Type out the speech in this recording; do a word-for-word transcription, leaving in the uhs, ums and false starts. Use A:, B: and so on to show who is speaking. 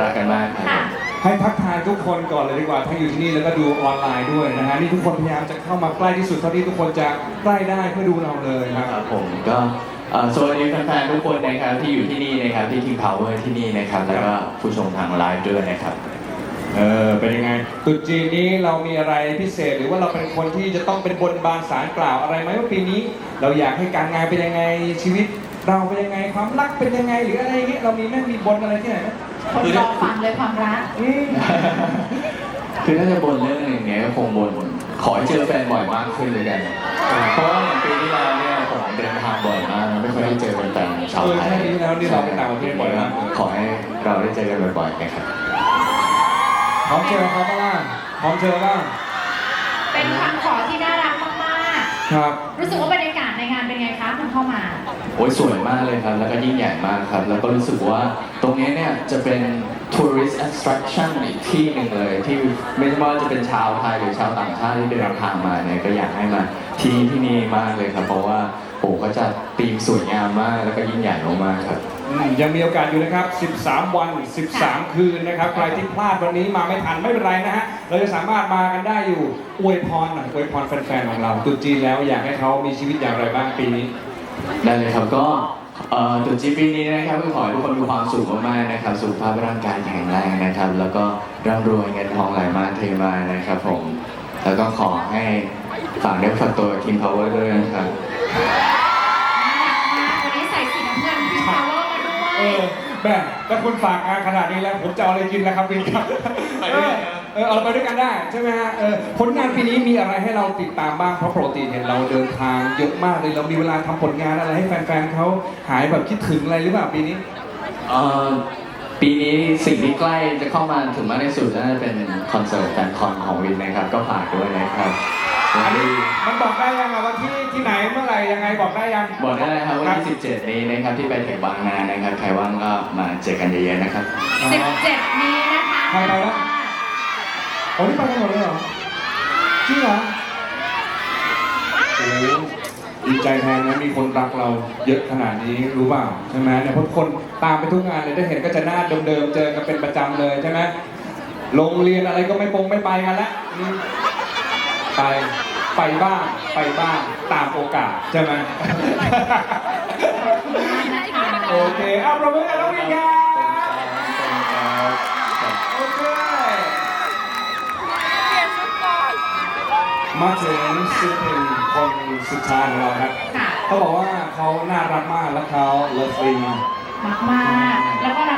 A: รักกันมากครับ
B: ให้ทักทายทุกคนก่อนเลยดีกว่าทั้งอยู่ที่นี่แล้วก็ดูออนไลน์ด้วยนะฮะนี่ทุกคนพยายามจะเข้ามาใกล้ที่สุดเท่าที่ทุกคนจะใกล้ได้เพื่อดูเราเลยครับ
A: ครับผมก็เอ่อสวัสดีแฟนๆทุกคนนะครับที่อยู่ที่นี่นะครับที่ King Power ที่นี่นะครับแล้วก็ผู้ชมทางไลฟ์ด้วยนะครับ
B: เออเป็นยังไงตรุษจีนนี้เรามีอะไรพิเศษหรือว่าเราเป็นคนที่จะต้องเป็นบนบานสารกล่าวอะไรไหมว่าปีนี้ เราอยากให้การงานเป็นยังไงชีวิต เราเป็นยังไงความรักเป็นยังไงหรืออะไรอย่างเงี้ยเรามีแม่มีบนอะไรที่ไหนไหม
C: คนรอฟังเลยความรัก
B: อืม
A: คือถ้าจะบ่นเรื่องอย่างเงี้ยก็คงบ่นขอให้เจอแฟนบ่อยมากขึ้นเลยกัน เพราะว่าอย่างปีที่แล้วเนี่ยผมเดินทางบ่อยมากไม่ค่อยได้เจอแฟนๆชาว
B: เออ
A: ไท
B: ใช่
A: ย
B: ปีที่แล้วนี่เราไปต่างประเทศบ่อยมาก
A: ขอให้เราได้เจอกันบ่อยๆนะครับ
B: พร้อมเจอเขาบ้างพร้อมเจอบ้าง
C: เป็นคำขอที่น่ารักมาก
B: ครับ
C: ๆ รู้สึกว่าบรรยากาศในงานเป็นไงคะคุณเข้ามา
A: โอ้ยสวยมากเลยครับ แล้วก็ยิ่งใหญ่มากครับ แล้วก็รู้สึกว่าตรงนี้เนี่ยจะเป็น tourist attraction อีกที่หนึ่งเลยที่ไม่ว่าจะเป็นชาวไทยหรือชาวต่างชาติที่เดินทางมาเนี่ยก็อยากให้มาที่ที่นี่มากเลยครับ เพราะว่าโอ้ก็จะธีมสวยงามมากแล้วก็ยิ่งใหญ่มากๆครับ
B: อืมยังมีโอกาสอยู่นะครับ สิบสาม วัน สิบสาม คืนนะครับ ใครที่พลาดวันนี้มาไม่ทันไม่เป็นไรนะฮะ เราจะสามารถมากันได้อยู่ อวยพรหน่อยอวยพรแฟนๆ ของเราตรุษจีนแล้วอยากให้เขามีชีวิตอย่างไรบ้างปีนี้
A: ได้เลยครับก็เอ่อตรุษจีนปีนี้นะครับก็ขอให้ทุกคนมีความสุขมากๆนะครับสุขภาพร่างกายแข็งแรงนะครับ แล้วก็ร่ำรวยเงินทองไหลมาเทมานะครับผมแล้วก็ขอให้ฝากเนื้อฝากตัว King Power ด้วยนะครับ
C: น่ารักมาก วันนี้ใส่สีน้ำเงินพิมพ์พาวเวอร์มาด้ว
B: เอย อแม่ถ้าคุณฝากงานขนาดนี้แล้วผมจะเอาอะไรกินแล้วครับพี่ครับ
A: ไปด้วยกันนะ
B: เออเอาไปด้วยกันได้ใช่ไหมฮะเออผลงานปีนี้มีอะไรให้เราติดตามบ้างเพราะปกติเห็นเราเดินทางเยอะมากเลยเรามีเวลาทำผลงานอะไรให้แฟนๆเขาหายแบบคิดถึงอะไรหรือเปล่าปีนี้
A: เอ่อปีนี้สิ่งที่ใกล้จะเข้ามาถึงมากที่สุดน่าจะเป็นคอนเสิร์ตแฟนคอนของวินนะครับ ก็ฝากด้วยนะครับ
B: อันนี้มันบอกได้ยังอะว่าที่ที่ไหนเมื่อไหร่ยังไงบอกได้ยัง
A: บอกได้เลยครับวันที่สิบเจ็ดนี้นะครับที่ไปถึงบางนานะครับใครว่างก็มาเจอกันเยอะๆนะครับ
C: สิบเจ็ดนี้นะคะ
B: ใครไปแล้ว โอ้นี่ไปกันหมดเลยเหรอจริงเหรอโอ้โหดีใจแทนนะมีคนรักเราเยอะขนาดนี้รู้เปล่าใช่ไหมเนี่ยเพราะคนตามไปทุกงานเลยได้เห็นก็จะหน้าเดิมๆเจอกันเป็นประจำเลยใช่ไหมโรงเรียนอะไรก็ไม่ปงไม่ไปกันแล้วอืมไปไปบ้างไปบ้างตามโอกาสใช่ไหม โอเคเอาประมือกันน้องวินครับโอเคมาถึงศิลปินคนสุดท้ายของเราครับ
C: ค่ะ
B: เขาบอกว่าเขาน่ารักมากและเขาเลิฟลิง
C: มากมากๆแล้วก็